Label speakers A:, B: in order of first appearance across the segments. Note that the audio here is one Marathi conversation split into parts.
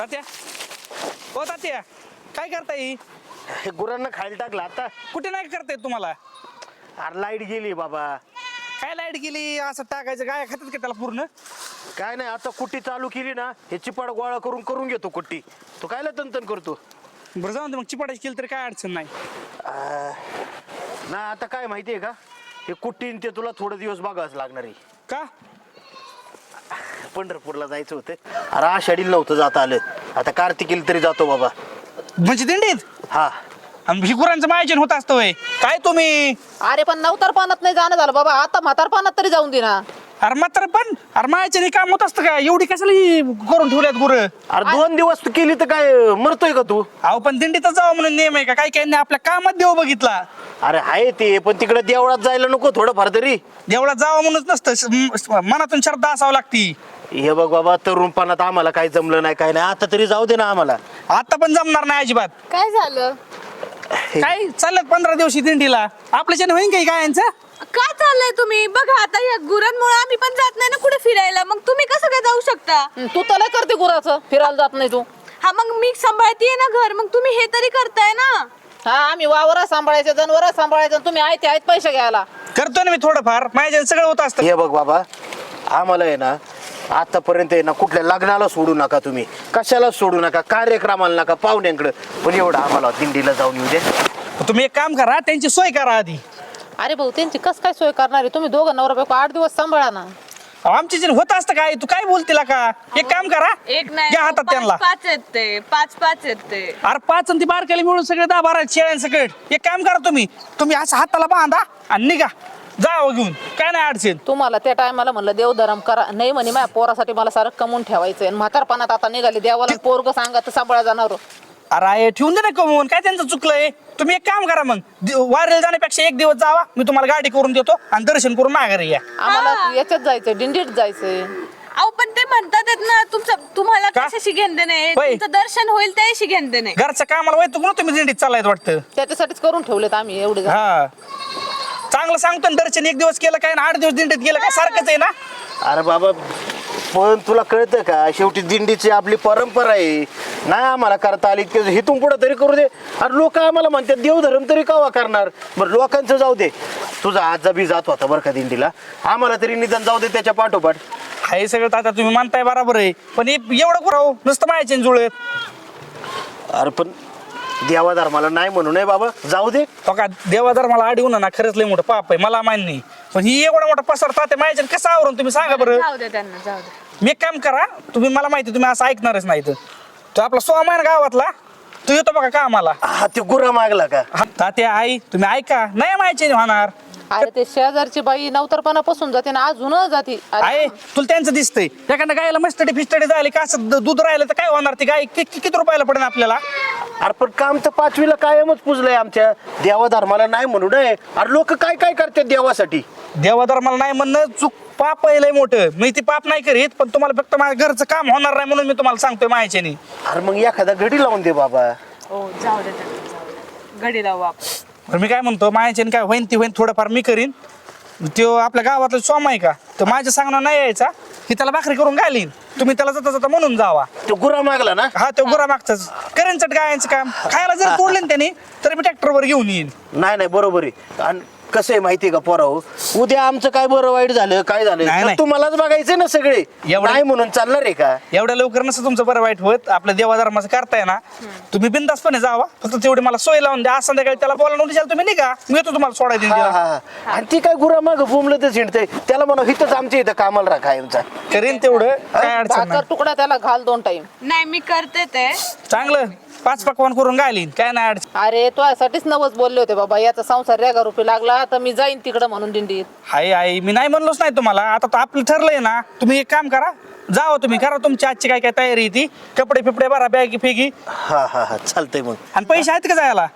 A: तात्या हो तात्या काय करताय?
B: हे गुरांना खायला टाकलं आता.
A: कुठे नाही करताय तुम्हाला?
B: अरे लाईट गेली बाबा.
A: काय लाईट गेली असं टाकायचं? गाय खातात का त्याला पूर्ण?
B: काय नाही आता कुट्टी चालू केली ना हे चिपाड गोळा करून घेतो कुट्टी. तू कायला तंतन करतो?
A: बरं जाऊन दे मग, चिपाटाची केली तरी काय अडचण नाही.
B: ना आता काय माहितीये का, हे कुट्टीन ते तुला थोडे दिवस बघावंच लागणार आहे.
A: का?
B: पंढरपूरला जायचं होतं. अरे आषाढीला नव्हतं जाता आलं, आता कार्तिकीला तरी जातो बाबा.
A: म्हणजे दिंडीत?
B: हा.
A: आणि ही गुरांचं मायजन होत असतं होय काय तुम्ही?
C: अरे पण नवतरपणात नाही जाणं झालं बाबा, आता म्हातारपणात तरी जाऊन दे ना.
A: अरे मात्र पण अरे मायचं काम होत असतं का? एवढी कशाला ही करून ठेवल्यात गुरं?
B: अरे 2 दिवस तू केली तर काय मरतोय का तू?
A: अहो पण दिंडीतच जावं म्हणून नियम आहे का? काही काही आपल्या कामात देव बघितला.
B: अरे आहे ते, पण तिकडे देवळात जायला नको थोडंफार तरी?
A: देवळात जावं म्हणूनच नसतं, मनातून श्रद्धा असावं लागती.
B: हे बघ बाबा, तरुणपणात आम्हाला काही जमलं नाही, काय नाही, आता तरी जाऊ दे ना आम्हाला.
A: आता पण जमणार नाही अजिबात.
C: काय झालं?
A: काय चाललं 15 दिवशी दिंडीला? आपल्याच्याने होईन काही गायांचं?
D: काय चाललंय तुम्ही? बघा आता या गुरांमुळे आम्ही पण जात नाही ना कुठे फिरायला, मग तुम्ही कसं काय जाऊ शकता?
C: तू तर लय करते गुराचं, फिरायला जात नाही तू.
D: हा मग मी सांभाळतीये ना घर, मग तुम्ही हे तरी करताय ना.
C: हा आम्ही वावर सांभाळायचं, जनावर सांभाळायचं, तुम्ही आहेत पैसे घ्यायला.
A: करतो ना मी थोडंफार, माझ्या सगळं होत असतं.
B: हे बघ बाबा, आम्हाला आहे ना आतापर्यंत आहे ना कुठल्या लग्नाला सोडू नका तुम्ही, कशाला सोडू नका, कार्यक्रमाला नका, पाहुण्यांकडे, पण एवढं आम्हाला दिंडीला जाऊन येऊ दे.
A: तुम्ही एक काम करा, त्यांची सोय करा आधी.
C: अरे भाऊ त्यांची कस काय सोय करणार आहे? तुम्ही दोघं नवरा बायको 8 दिवस सांभाळा ना.
A: आमच्या जण होत असतं काय? तू काय बोलतीला का? एक काम करा,
D: एक नाही
A: घ्या हातात त्यांना.
D: पाच येत ते, पाच येत ते.
A: अरे 5 आणि ती बारकाली मिळून सगळे 10-12 शेळ्यांसकट. एक काम करा, तुम्ही असं हाताला बांधा आणि निघा, जावं घेऊन, काय नाही अडचण.
C: तुम्हाला त्या टायमाला म्हणलं देवधर्म करा, नाही म्हणे माझ्या पोरासाठी मला सारं कमवून ठेवायचंय. आणि म्हातारपणात आता निघाली देवाला पोरग सांगत सांभाळा जाणार.
A: अरे ठेवून दे ना कमवून, काय त्यांचं चुकलंय? तुम्ही एक काम करा मग, वारीला जाण्यापेक्षा एक दिवस जावा, मी तुम्हाला गाडी करून देतो आणि दर्शन करून माघारी या.
C: आम्हाला याच्यात जायचंय, दिंडीत जायचंय.
D: अहो पण ते म्हणतात ना तुम्हाला
A: का?
D: कशाशी घेणं नाही,
A: होय.
D: तुमचं दर्शन होईल त्याशी घेणं नाही.
A: घरच्या कामाला वैतू ना तुम्ही दिंडीत चाललायत वाटतं.
C: त्याच्यासाठीच करून ठेवलेत आम्ही एवढे जण.
A: हा चांगलं सांगतो ना, दर्शन एक दिवस केलं काय ना 8 दिवस दिंडीत गेलं काय सारखंच आहे ना.
B: अरे बाबा, पण तुला कळतं का, शेवटी दिंडीची आपली परंपरा आहे, नाही आम्हाला करता आली हिथून पुढे तरी करू दे. अरे लोक आम्हाला म्हणतात देवधर्म तरी कवा करणार? बरं लोकांचं जाऊ दे, तुझा आजा बी जात होता बरं का दिंडीला, आम्हाला तरी निदान जाऊ दे त्याच्या पाठोपाठ.
A: हे सगळं आता तुम्ही म्हणताय बरोबर आहे, पण एवढं करावं नुसतं मायाचे जुळत.
B: अरे पण देवाधर्माला नाही म्हणू नये बाबा, जाऊ दे.
A: हो का, देवाधर मला आडी होणार ना, खरंच लय मोठं पाप आहे, मला मान्य नाही. पण ही एवढा मोठा पसरता ते मायाच्या कसं आवरून तुम्ही सांगा बरं.
D: जाऊ दे त्यांना, जाऊ दे.
A: मी एक काम करा, तुम्ही मला माहिती तुम्ही असं ऐकणारच नाही. तो आपला सोमा आहे ना गावातला, तो येतो बघा कामाला.
B: हा ते गुरा मागला का?
A: तात्या आई तुम्ही ऐका, नाही मायाचे होणार.
C: अरे ते शेजारची बाई नवतरपणापासून जाते ना, अजून जाते.
A: आहे तुला त्यांचं दिसतंय, एखाद्या गायला मस्तडी फिस्टडी झाली का असं दूध राहिलं तर काय होणार? ती गाय किती रुपयाला पडेल आपल्याला?
B: अरे पण काम तर 5वीला कायमच पुजलंय आमच्या. देवाधर्माला नाही म्हणू नये. अरे लोक काय काय करतात देवासाठी.
A: देवाधर्माला नाही म्हणणं चूक, पाप आहे लय मोठं. मी ती पाप नाही करीत, पण तुम्हाला फक्त माझ्या घरचं काम होणार नाही म्हणून मी तुम्हाला सांगतोय मायाच्यानी.
B: अरे मग एखादा घडी लावून दे बाबा.
D: हो जाऊ दे त्यांना, जाऊ दे. गडी लावू आपण.
A: तर मी काय म्हणतो, मायाच्यानी काय होईन ती होईन, थोडंफार मी करीन. तो आपल्या गावातला सोमा आहे का, तर माझ्या सांगणं नाही यायचा की त्याला भाकरी करून घालीन, तुम्ही त्याला जाता जाता म्हणून जावा.
B: तो गुरा मागला ना?
A: हा तो गुरा मागचाच करेन चट गायांचं काम. खायला जर तोडले ना त्यांनी तर मी ट्रॅक्टरवर घेऊन येईन.
B: नाही नाही बरोबर आहे. आणि कसं आहे माहितीये का पोराव, उद्या आमचं काय बरं वाईट झालं, काय
A: नाही,
B: झालं
A: नाही.
B: तुम्हालाच बघायचं ना सगळे.
A: एवढं-
B: नाही म्हणून चालणार आहे का?
A: एवढ्या लवकर नसतं तुमचं बरं वाईट होत. आपल्या देवाधर्माचं करताय ना, तुम्ही बिंदासपणे जावा, फक्त तेवढी मला सोय लावून द्या. आज संध्याकाळी त्याला बोलावून उद्या तुम्ही निघा, मी येतो तुम्हाला सोडायला
B: हा
A: दिंडीला.
B: हा हा. आणि ती काय गुरा माग बुमलं तर झिंडतंय, त्याला म्हणा हिथंच आमच्या इथं कामाला राखा आमचा.
A: करीन तेवढं, काय अडचण
C: भाकर
A: नाही.
C: तुकडा त्याला घाल 2 टाइम.
D: नाही मी करते ते.
A: चांगलं 5 पकवान करून घालीन, काय नाही अडचण.
C: अरे तुझ्यासाठीच नवस बोलले होते बाबा, याचा संसार रेगा रुपये लागला तर मी जाईन तिकडं म्हणून दिंडीत.
A: हाय आई मी नाही म्हणलोच नाही तुम्हाला. आता तर आपलं ठरलंय ना, तुम्ही एक काम करा, जावा तुम्ही, करा तुमची आजची काय काय तयारी आहे ती, कपडे फिपडे भरा, बॅगी फेगी.
B: हा हा हा चालतंय. मग
A: आणि पैसे आहेत का जायला?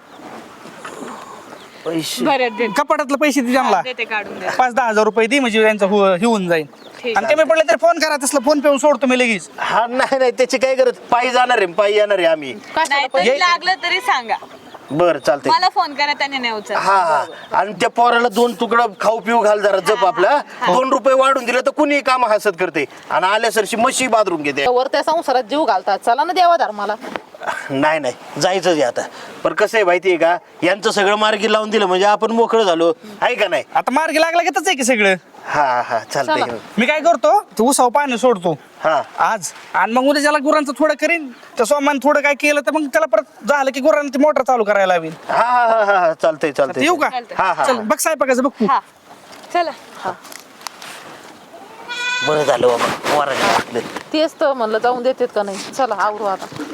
B: पैसे
D: बरं दे,
A: कपाटातलं पैसे दे त्यांना,
D: देते काढून दे.
A: 5-10 हजार रुपये दे, म्हणजे त्यांचं हे होऊन जाईल.
D: ठीक
A: आणि कमी पडले तर फोन करा, तसलं फोन पेऊन सोडतो मी लगेच.
B: हा नाही नाही त्याची काय गरज, पायी जाणार आहे, पायी येणार आहे आम्ही.
D: नाही तरी लागलं तरी सांगा.
B: बरं चालतंय.
D: मला फोन करा, त्याने नाही उचल.
B: हा हा आणि त्या पोराला 2 तुकडा खाऊ पिऊ घाल जरा जप आपला. 2 रुपये वाढून दिले तर कुणी काम हसत करते आणि आल्यासरशी म्हशी बादरून घेते.
C: वर त्या संसारात जीव घालतात, चला ना देवा धर्माला.
B: नाही नाही जायचंच आहे आता. पण कसं आहे माहितीये का, यांचं सगळं मार्गी लावून दिलं म्हणजे आपण मोकळं झालो आहे का नाही.
A: आता मार्गी लागला की आहे की सगळं.
B: हा हा चालतंय.
C: चला.
A: मी काय करतो ते उसाव पाणी सोडतो
B: हा
A: आज, आणि मग उद्या ज्याला गुरांचं थोडं करीन, त्या सोमान थोडं काय केलं तर मग त्याला परत झालं की गुरांना ती मोटर चालू करायला हवी.
B: हा हा हा हा चालतंय चालतंय.
A: येऊ का?
B: हा हा
A: चल बघ साहेबाचं बघ तू.
D: हा चला.
B: बरं झालं बाबा वरायला टाकलं.
C: तेच तर म्हणलं जाऊन देतात का नाही. चला आवरू आता.